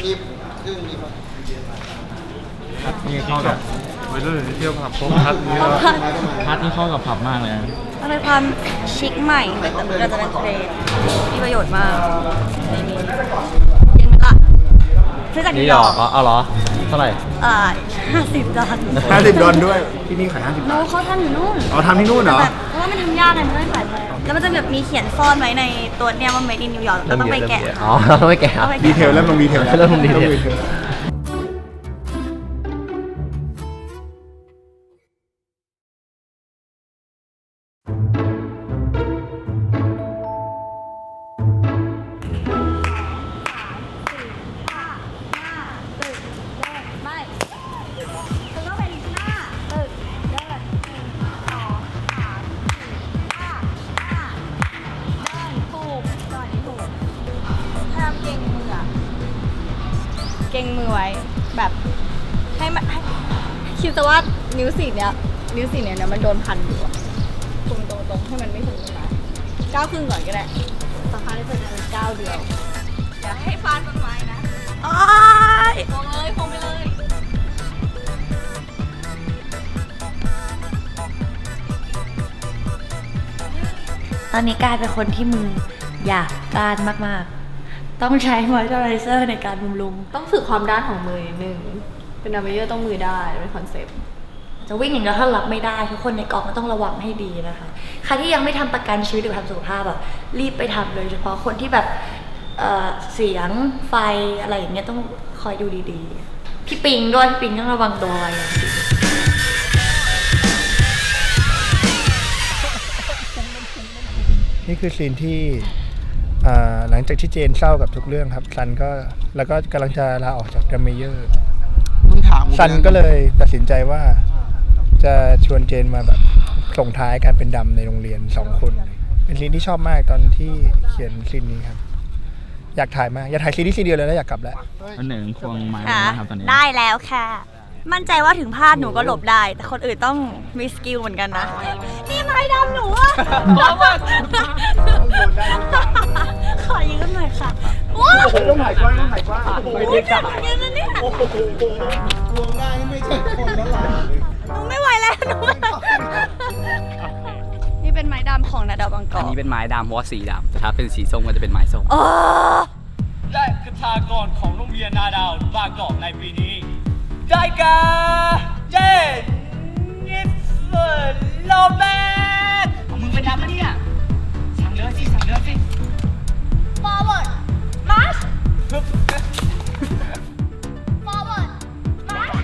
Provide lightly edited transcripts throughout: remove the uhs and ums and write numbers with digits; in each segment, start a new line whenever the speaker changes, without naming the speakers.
มีครึ่งมีป่ะ
นี่เข้ากับวัยรุ่นที่เที่ยวผับพบพัดนี่ก็พัดนี่เข้ากับผับมากเลย
มันเป็นความชิคใหม่เราจะเป็นเทรนมีประโยชน์มากนี่ยังไงล่ะซื้อจากนิวยอร์ก
เอาเหรอเท่าไหร่
$50
ด้วยที่นี่ขาย50 บาท
เขาทำอยู่นู่น
ทำที่นู่นเหรอ
เพราะว่ามันทำยากไงมันไม่ขายแล้วมันจะแบบมีเขียนซ่อนไว้ในตัวเนี้ยว่า made in New York เราต้องไปแกะ
เราต้องไปแกะ
ดีเทลเริ่มลงดีเทลแล้ว
เริ่มลงดีเทล
เก่งมือไว้แบบให้มันคิดซะว่านิ้วสี่เนี้ยมันโดนพันอยู่ตรงให้มันไม่ถึงตรงนั้นก้าวครึ่งก่อนก็ได้สักพักจะเป็นก้าวเดียวอย่าให้ฟาดต้นไม้นะคงไปเลยตอนนี้กลายเป็นคนที่มือหยาบด้านมากๆต้องใช้มอยเจอไรเซอร์ในการบำรุง
ต้องฝึกความด้านของมือนิดนึงเป็นนาเมเยอร์ต้องมือได้เป็นคอนเซ็ปต์
จะวิ่งอย่างเดียวถ้ารับไม่ได้ทุกคนในกองก็ต้องระวังให้ดีนะคะใครที่ยังไม่ทำประกันชีวิตหรือทำสุขภาพแบบรีบไปทำเลยเฉพาะคนที่แบบเสียงไฟอะไรอย่างเงี้ยต้องคอยดูดีๆพี่ปิงด้วยพี่ปิงต้องระวังตัวอย่างดี
นี่คือซีนที่หลังจากที่เจนเศร้ากับทุกเรื่องครับซันก็แล้วก็กำลังจะลาออกจากดัมเมเยอร์ซันก็เลยตัดสินใจว่าจะชวนเจนมาแบบส่งท้ายการเป็นดำในโรงเรียน2 คนเป็นซีนที่ชอบมากตอนที่เขียนซีนนี้ครับอยากถ่ายมากอยากถ่ายซีนนี้ซีนเดียวเลยแล้วอยากกลับแล้ว
อันหนึ่งควงไม้นะครับตอนนี้
ได้แล้วค่ะมั่นใจว่าถึงพลาดหนูก็หลบได้แต่คนอื่นต้องมีสกิลเหมือนกันนะนี่ไม้ดำหนูอะขอยืมหน่อยค่ะ
ต้องถ่ายกว้างต้องถ่ายกว้าง
ไม่ได้เหมือนกันนะเนี่ย
ลงได้ไม่ใช่คนแล้วหรอ
หนูไม่ไหวแล้วหนูนี่เป็นไม้ดำของนาดาวบางกอก
อันนี้เป็นไม้ดำเพราะว่าสีดำแต่ถ้าเป็นสีส้มก็จะเป็นไม้ส้ม
และคทากรของโรงเรียนนาดาวบางกอกในปีนี้ได้แก่เจนนิสเฟอร์โลเปสมึงเป็นดำปะเนี่ยสั่งเลือสิ
forward march forward march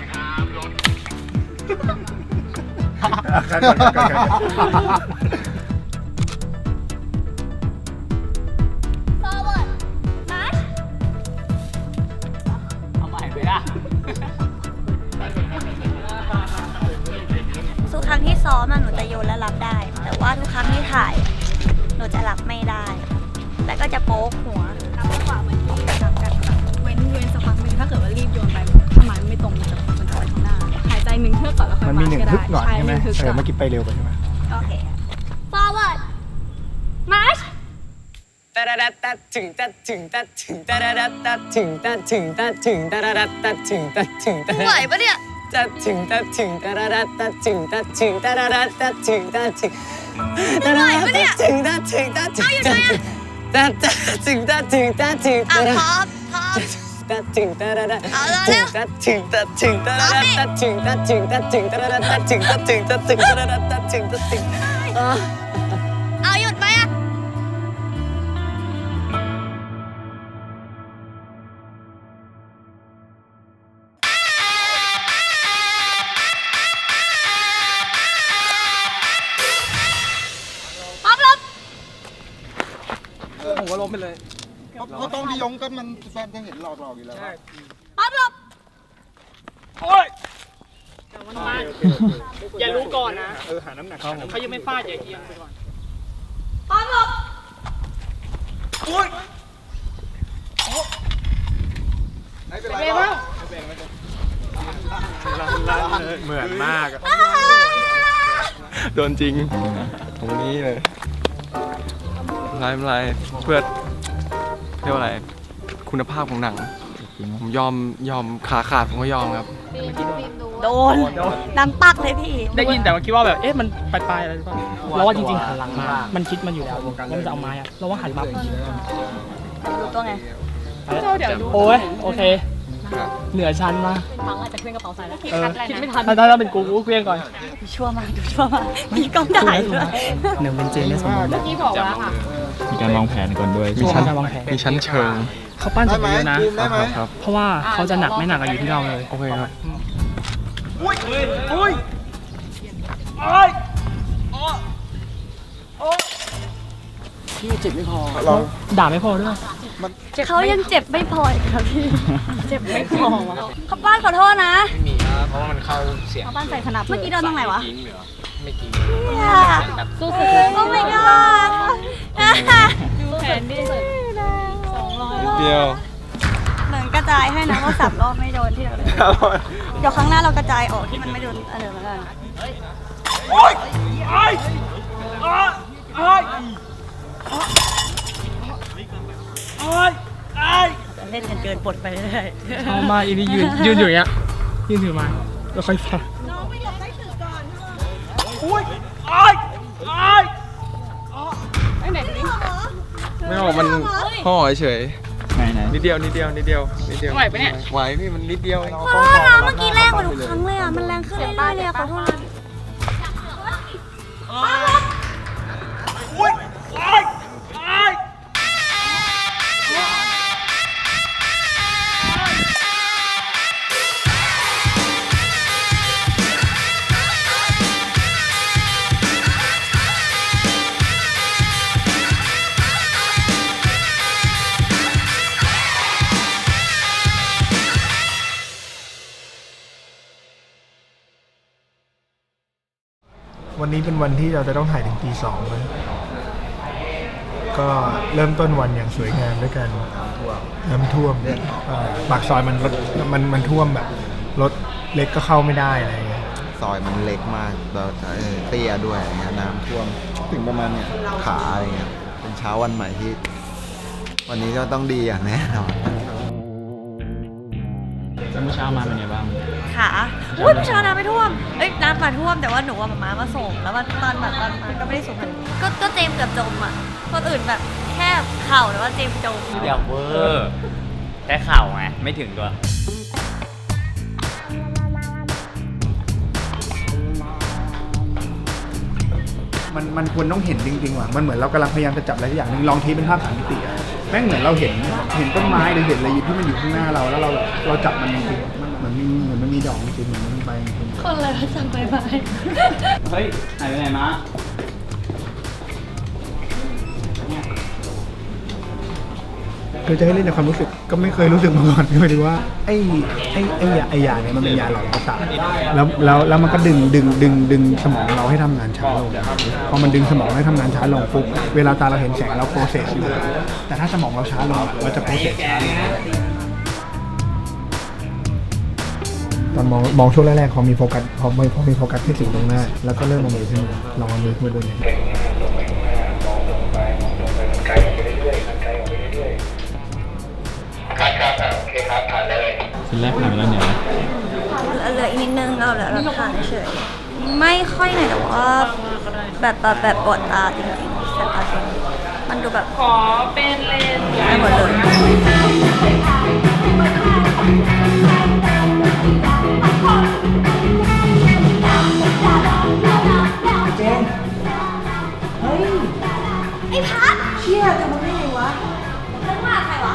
forward march
เอาใหม่ไปละ
ทุกครั้งที่ซ้อมหนูจะโยนและรับได้แต่ว่าทุกครั้งที่ถ่ายหนูจะรับไม่ได้แล้วก็จะโป๊กหัวรับจังหวะเหมือนที่รับกันเว้นสักพักนึงถ้าเกิดว่ารีบโยนไปถ้าไม้ไม่ตรงมันจะไปข้างหน้าหายใจ1 เทือกก่อนแล้วค่อยมาก็ได้
ใช่ไหมเมื่อกี้ไปเร็วไปใช่ไหม
โอเค forward march
ตะระดัดตัดถึงตัดถึงตัดถึงตะระดัดตัดถึงตัดถึงตัดถึงตะระดัดตัดถึงตัดถึง
ไหวปะเนี่ย
ตัดถึงตัดถึงตะระดัดตัดถึงตัดถึงตะระดัดตัดถึงตัดถึงตะระดัดตัดถึงตัดถึงตัดถึงตัดถึงตัดถึงตัดถึง
พร้อม
ตัดถึงตะระดัดตัดถึงตัดถึงตะระดัดตัดถึงตัดถึงตัดถึงตะระดัดตัดถึงตัดถึงตัดถึงตะระดัดตัดถึงตัดถึง
เอาหยุดไหมอะ
ผมก็ล้มไปเลยเพราะต้องพี่ยงก็มันแฟนจะเห็นหลอกอยู่แล้ว
ปั๊บลบ
โอ้ยอย่ารู้ก่อนนะ
หาน้ำหนัก
เขายังไม่ฟาดอย่าเอียงไปก่อน
ปั๊บลบ
โอ้ย
ไม่เป็นไรหรอกเหมือนมากโดนจริงตรงนี้เลยไม่เป็นไรเพื่อเรียกว่าอะไรคุณภาพของหนัง
ผมยอมขาขาดผมก็ยอมครับ
โดนน้ำปักเลยพี่
ได้ยินแต่ว่าคิดว่าแบบ เอ๊ะ มันปลายๆอะไรหรือเปล่าเราว่าจริงๆหันหลังมา มันคิดมันอยู่แล้วว่ามันจะเอาไม้อะเราว่าหันมา
รู้ตัวไง
โอ้ย โอเค เหนือชั้นมาก
ฟังอาจจะเคลื่อนกระเป๋าใส่แล้วคิด
คิด
ไม่
ไม่
ทั
ทั
น
นถ้าเป็นกูเคลียร์ก่อน
ดูชั่วมากมีกล้องถ่ายด้วย
หนึ่งเป็นเจนได้สมบูรณ์แบบ
มีการวางแผนก่อนด้วย
มีชั้นวางแผน
มีชั้นเชิง
เขาปั้นเสร็จไปเยอะนะ
ครับ
เพราะว่าเขาจะหนักไม่หนักอะอยู่ที่เราเลย
โอเคครับ
พี่เจ็บไม่พอด่าไม่พอด้วย
เขายังเจ็บไม่พออีกครับพี่ เจ็บไม่พอวะเขาป้านขอโทษนะ
ไม่มีครับเพราะว่ามันเข้าเสียง
เขาป้านใส่ขนาดเมื่อกี้โดนตรงไหนวะ
ทิ้งเหรอไม่ทิ้ง
สู้สุดโอ้ my god
ดูแผนดิ
เดียว
เหมือนกระจายให้นะว่าสับรอบไม่โดนที่เราเลยเดี๋ยวครั้งหน้าเรากระจายออกที่มันไม่โดนอันเดิมแล้วกันเล่นกันเกินปลดไปเรื่อย
เอามาอีนี่ยืนอยู่อย่างเงี้ยยืนถือไม้แล้วค่อยฟัง
ไม่ออกมันห่อเฉยนิดเดียวไหวปะเนี่ยไหวพี่มันนิดเดียวเอง
ขอโทษนะเมื่อกี้แรงกว่าทุกครั้งเลยอ่ะ มันแรงขึ้นเรื่อยๆเลยอ่ะขอโทษนะ
วันนี้เป็นวันที่เราจะต้องถ่ายถึงตี 2นะก็เริ่มต้นวันอย่างสวยงามด้วยกันน้ำท่วมปากซอยมันท่วมแบบรถเล็กก็เข้าไม่ได้อะไรเงี้ย
ซอยมันเล็กมากแล้วเตี้ยด้วยอะไรเงี้ยน้ำท่วมถึงประมาณเนี่ยขาอะไรเงี้ยเป็นเช้าวันใหม่ที่ วันนี้ก็ต้องดีอย่างแน่นอน
เมื่อเช้ามาเป็นไงบ้าง
ค่ะอุ้ยเช้าน้ำไม่ท่วม เอ้ยน้ำมาท่วมแต่ว่าหนูว่ามาส่ง แล้วตอนมาก็ไม่ได้ส่งก็เจมส์เกือบจมอ่ะ คนอื่นแบบแค่เข่าแต่ว่าเจมส์จม
อย่าเวอร์แค่เข่าไงไม่ถึงตัว
มันควรต้องเห็นจริงๆว่ะมันเหมือนเรากำลังพยายามจะจับอะไรสักอย่างหนึ่งลองเทปเป็นภาพ3 มิติอะแม่งเหมือนเราเห็นต้นไม้หรือเห็นอะไรที่มันอยู่ข้างหน้าเราแล้วเราจับมันจริงๆมันเหมือนมันมีดอกจริงๆเหมือนมันมีใบจริงๆ
คนอะไรสั่งไปไป
เฮ้ยหายไปไหนมา
คือจะให้เล่นในความรู้สึกก็ไม่เคยรู้สึกมาก่อนหมายถึงว่าไอ้ยาเนี่ยมันเป็นยาหลอนประสาทแล้วมันก็ดึงสมองเราให้ทำงานช้าลงพอมันดึงสมองให้ทำงานช้าลงปุ๊บเวลาตาเราเห็นแสงเราโปรเซสอยู่แต่ถ้าสมองเราช้าลงเราจะโปรเซสช้าลงตอนมองช่วงแรกๆพอมีโฟกัสที่สิ่งตรงหน้าแล้วก็เริ่มเอามือขึ้นมาลองเอามือขึ้นมาดูเนี่ย
ชิ้นแรกผ่านไปแล้วเนี่ย
เหลืออีกนิดนึงเราเหลือเราทานเฉยไม่ค่อยหน่อยแต่ว่าแบบปวดตาจริงๆแสบตาจริงมันดูแบบขอเป็นเลนไม่หมดเลยไอ้พัดเชี่ยจะมาได้ไงวะแล้วมาใครวะ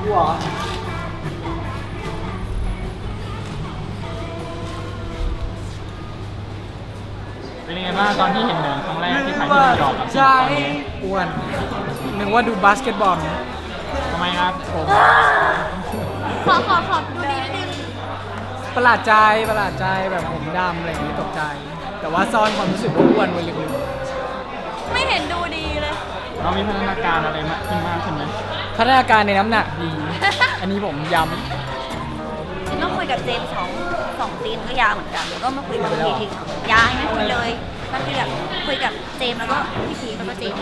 เป็นยังไงบ้างตอนที่เห็นเหนือครั้งแรกที่ถ่ายที่นิวยอร์กกับตอนนี้อ้วนนึกว่าดูบาสเกตบอลทำไมครับผม
ขอดูดีนิดนึง
ประหลาดใจแบบผมดำอะไรอย่างนี้ตกใจ แต่ว่าซ่อนความรู้สึกว่าอ้วนไว้ลึก
ไม่เห็นดูดีเลย
เรามีพัฒนาการอะไรมากขึ้นมากใช่ไหม
ๆพัฒนาการในน้ำหนักดี อันนี้ผมย้
ต้องคุยกับเจมส์สองซีนก็ยาวเหมือนกันแล้วก็มาคุยกับพี่ทียาวไม่คุยเลยก็คือแบบคุยกับเจมส์แล้วก็พี่ทีแล้วก็เจมส์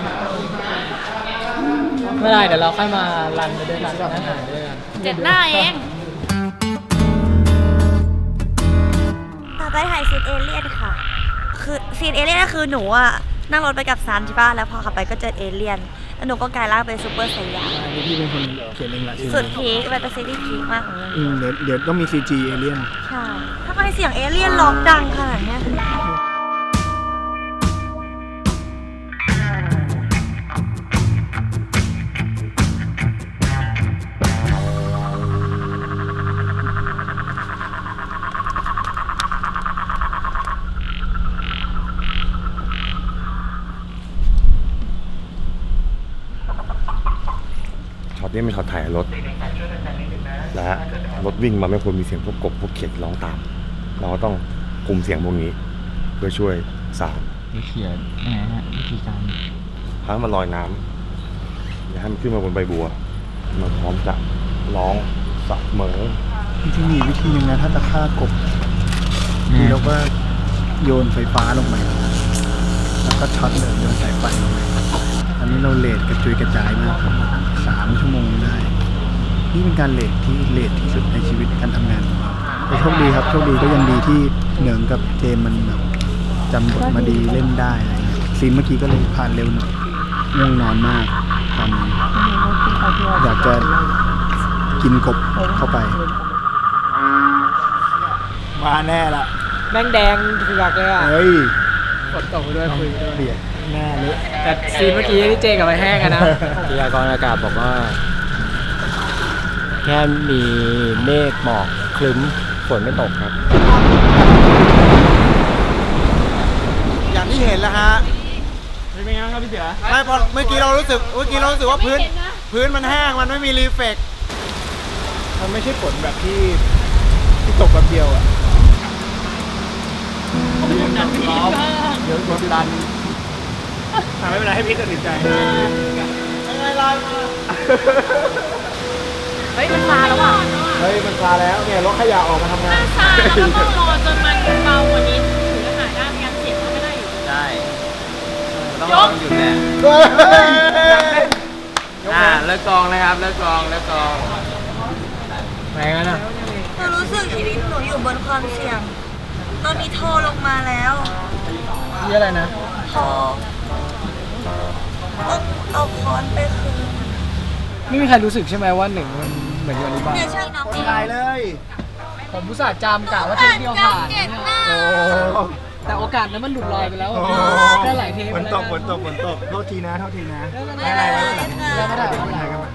ำไม่ได้เดี๋ยวเราค่อยมารันไปด้วยกันนั่งอ่านไปด้วยกัน
7 หน้าเอง
นเอเลี่ยนค่ะคือซีนเอเลี่ยนก็คือหนูอะนั่งรถไปกับซันใช่ป่ะแล้วพอขับไปก็เจอเอเลี่ยนแล้วหนูก็กลายร่างเป็นซูเปอร์ไซยา
อันนี้พี่เป็นคนเขียนเองแหละ
สุดพีคเป็นซีรีส์พีคมากของเรื่อง
เดี๋ยวต้องมี CG เอเลี่ยน
ใช่ถ้าใครเสียงเอเลี่ยนร้องดังขนาดเนี้ย
ช็อตนี้เป็นช็อตถ่ายรถและรถวิ่งมาไม่ควรมีเสียงพวกกบพวกเขียดร้องตาม เราก็ต้องคุมเสียงพวกนี้เพื่อช่วยสาว
วิเขียนยังไงฮะวิธีการ
ให้มันลอยน้ำอย่าให้มันขึ้นมาบนใบบัวมันพร้อมจะร้องเสมอ
ที่มีวิธีหนึงนะถ้าจะฆ่ากบคือเราก็โยนไฟฟ้าลงไปแล้วก็ช็อตเลยโยนสายไฟลงไปอันนี้เราเลทกระจุยกระจายมากครับ3 ชั่วโมงได้ นี่เป็นการเลทที่เลทที่สุดในชีวิตการทำงานของเราแต่โชคดีครับโชคดีก็ยังดีที่เหนืองกับเจมมันแบบจำบทมาดีเล่นได้อะไรเงี้ยซีนเมื่อกี้ก็เลยผ่านเร็วหน่อยง่วงนอนมากตอนนี้อยากจะกินกบเข้าไป มาแน่ละ
แม่งแดงเถือกเลยอ่ะ
เฮ้ย
ฝนตกไปด้วยคุยไปด้วย
เบียดหน้าเละ
แต่ซีนเมื่อกี้ที่เจกับไปแห้งอะนะ
พยากรณ์อากาศบอกว่า แค่มีเมฆหมอกคลึ้มฝนไม่ตกครับ
อย่างที่เห็นแล้วฮะ
เป็นไงครับพี่เสือ
ไม่พอเมื่อกี้เรารู้สึกว่าพื้นมันแห้งมันไม่มีรีเฟก
มันไม่ใช่ฝนแบบที่ตกแบบเดียวอ่ะเดี๋ยวกดดันไม่เป็นไรให้พี่ตัดสินใจ
เฮ้ยมันมาแล้วอ่ะ
เฮ้ยมันคลาแล้วเนี่ยรถขยะออกมาทำงาน
ซาแล้วก็ต้องรอจนมันเบากว่านี้ถึงจะหายได้ไม่งั้นเสียงมันไม่ได้อยู่
ได้ต้องลองหยุดแหละเลิกกองนะครับเลิกกอง
ไหนกันอ่ะ
หนูรู้สึกชีวิตหนูอยู่บนความเสี่ยง ตอนนี้โทรลงมาแล้ว
นี่อะไรนะ
โทรต้องเอาค้อนไปคืน
ไม่มีใครรู้สึกใช่ไหมว่าหนึ่งมันเหมือนอยู่อันนี้บ้าง
เนี่ยใช่น้องเอง
ตายเลย
ผมอุตส่าห์จำกะว่าเทปเดียวผ่าน
เก่งมาก
โอ้
แต่โอกาสนั้นมันหลุดลอยไปแล้วอะได้หลายเทป
ฝนตกโทษทีนะไม่เป็นไร
ไม่
ไม่
เป็
เป็น
น
ไร
ไร
ไม่เป็นไร
ค่ะ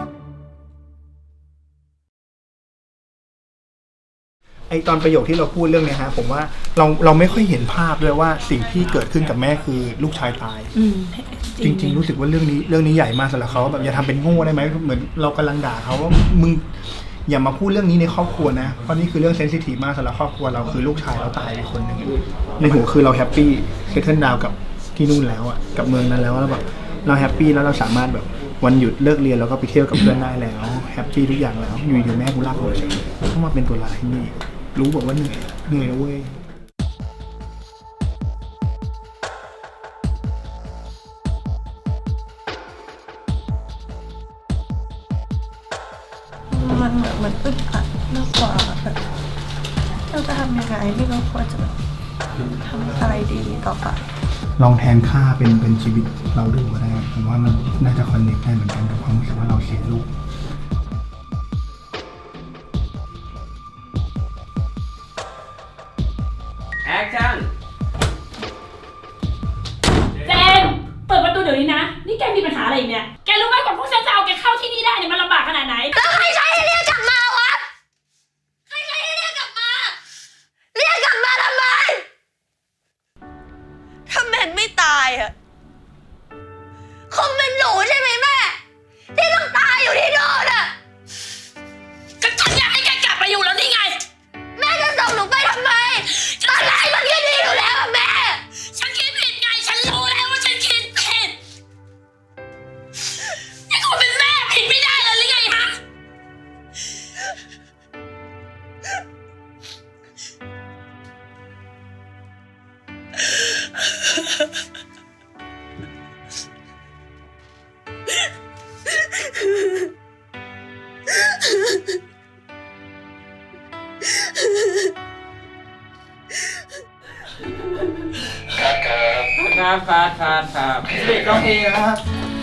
ไอตอนประโยคที่เราพูดเรื่องเนี้ยฮะผมว่าเราไม่ค่อยเห็นภาพด้วยว่าสิ่งที่เกิดขึ้นกับแม่คือลูกชายตายจริง ๆ รู้สึกว่าเรื่องนี้ใหญ่มากสำหรับเขาแบบอย่าทำเป็นโง่ได้ไหมเหมือนเรากำลังด่าเขาว่ามึงอย่ามาพูดเรื่องนี้ในครอบครัวนะเพราะนี่คือเรื่องเซนซิทีฟมากสำหรับครอบครัวเราคือลูกชายเราตายไปคนหนึ่งในหัวคือเราแฮปปี้เซตเทิลดาวกับที่นู่นแล้วอ่ะกับเมืองนั้นแล้วแล้วแบบเราแฮปปี้แล้วเราสามารถแบบวันหยุดเลิกเรียนแล้วก็ไปเที่ยวกับเพื่อนได้แล้วแฮปปี้ทุกอย่างแล้วอยู่ดีแม่กูลากเราเฉยต้องมาเป็นตัวร้ายนี่รู้บอกว่าเหนื่อยนะเว้ย
มันเหมือนอึดอัดมากกว่าแบบเราจะทำยังไงที่เราควรจะแบบทำอะไรดีต่อไป
ลองแทนค่าเป็นชีวิตเราดูก็ได้ผมว่ามันน่าจะคอนเนคได้เหมือนกันกับความรู้สึกว่าเราเสียลูก
แอคชั่น
เจนเปิดประตูเดี๋ยวนี้นะ นี่แกมีปัญหาอะไรอีกเนี่ย แกรู้ไหมกว่าพวกฉันจะเอาแกเข้าที่นี่ได้เนี่ยมันลำบากขนาดไหน
แล้วใครใช้ให้เรียกกลับมาวะ ใครใช้ให้เรียกกลับมา เรียกกลับมาทำไม ถ้าแมนไม่ตายอะคงเป็นหนูใช่ไหมแม่ ที่ต้องตายอยู่ที่โน่นอะ
ก็ฉันอยากให้แกกลับมาอยู่แล้วนี่ไง
แม่จะส่งหนูไปทำไม ตอนแรกมันก็ดีอยู่แล้วอะแม่
ฉันคิดผิดไง ฉันรู้แล้วว่าฉันคิดผิดนี่คุณเป็นแม่ผิดไม่ได้เลยหรือไงฮะ
Ha ha ha.
ครับครับเด็กร้องเองนะครับ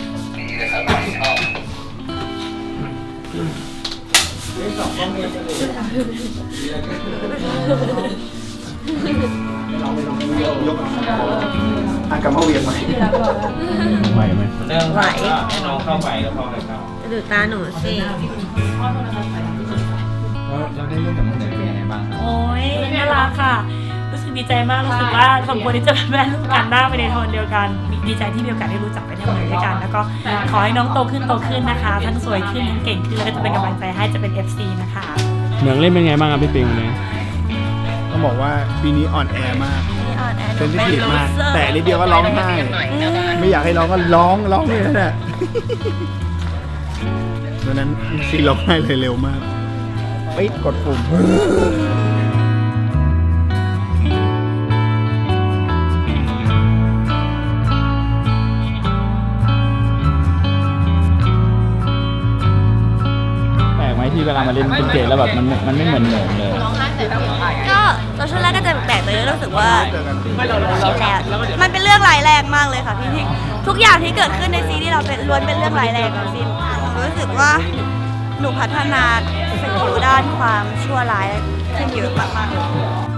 อากามาเวียนไหมไหวไหม
เรื่องไหวให้น้องเข้าไปก็พอเลยครับ
ดูตาหนูสิ
เราได้เล่นกับน้องเนยเป็นยังไงบ้างครับ
โอ้ยน่ารักค่ะ รู้สึกดีใจมาก รู้สึกว่าสมควรที่จะเป็นแม่ลูกกันหน้าไปในโทนเดียวกัน ดีใจที่มีโอกาสได้รู้จักไปทำงานด้วยกัน แล้วก็ขอให้น้องโตขึ้นนะคะ ทั้งสวยขึ้นทั้งเก่งขึ้น แล้วก็จะเป็นกำลังใจให้จะเป็น FC นะคะ
เหมืองเล่นเป็นไงบ้างครับพี่ปิงวันนี้
ต้องบอกว่าปีนี้อ่อนแอมาก
นี่อ่อนแอ
เซนซิทีฟมาก แต่นิดเดียวก็ร้องไห้ ไม่อยากให้ร้องก็ร้องเลยนั่นแหละดังนั้นซีร้องไห้เลยเร็วมากไปกดปุ่ม
แปลกไหมที่เวลามาเล่นเป็นเจแล้วแบบมันไม่เหมือนเหมืองเลย
ก็ตอนช่วงแรกก็จะแปลกเลยรู้สึกว่ามันเป็นเรื่องร้ายแรงมากเลยค่ะพี่ทุกอย่างที่เกิดขึ้นในซีรีส์เราเป็นล้วนเป็นเรื่องร้ายแรงทั้งสิ้นรู้สึกว่าหนูพัฒนาสกิลด้านความชั่วร้ายขึ้นเยอะมากๆ